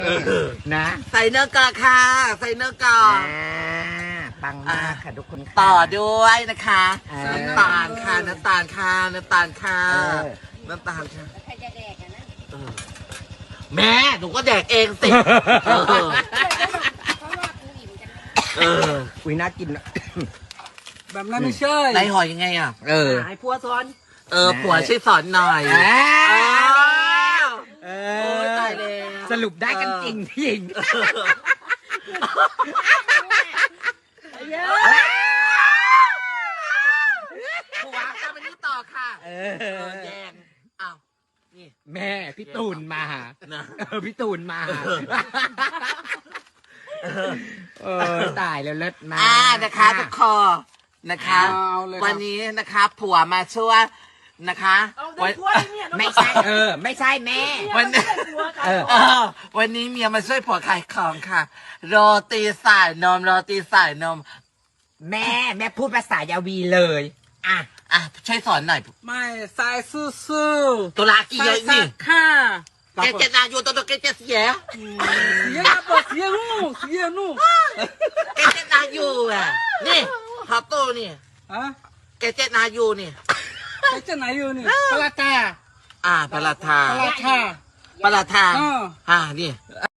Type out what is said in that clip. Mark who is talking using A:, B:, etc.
A: นะ
B: ใส่เนื้อกอค่ะใส่เนื้อกอ
A: ปังมากค่ะทุกคน
B: ต่อด้วยนะคะน้ำตาลค่ะน้ำตาลค่ะน้ำตาลค่ะน้ำตาลค่ะใครจะแดกกันนะแม่หนูก็แดกเองสิ
A: อุ้ยน่ากิน
C: แบบนั้นไม่ใช่
B: ในหอยยังไงอ่ะ
C: ไอ้พัวซ้อน
B: ผัวช่วยสอนหน่อยตายเลย
A: สรุปได้กันจริงพี่หญิง
B: ผัวจะไปนี่ต่อค่ะแยงอ้าวนี่
A: แม่พี่ตูนมาพี่ตูนมาตายแล้วเลิศมาก
B: นะคะทุกคนนะคะวันนี้นะคะผัวมาช่วยนะคะ
A: ไม่ใช่ไม่ใช่แม่
B: วันนี้เมียมาช่วยผัวขายของค่ะโรตีสายนมโรตีสายนม
A: แม่พูดภาษายาวีเลย
B: ช่วยสอนหน่อย
C: ไม่ใส่ซื่อ
B: ตัวลากี่เยอะนี่
C: ค่ะ
B: แกจะนาอยู่ตัวแกจะเสีย
C: เสียปะเสียนู่
B: แกจะนาอยู่อ่ะนี่ฮอตโต้นี่แกจะนาอยู่นี่
C: แกจะไหนอยู่นี่ปลาตา
B: ปลาทา
C: ปลาทา
B: ปลาทานี่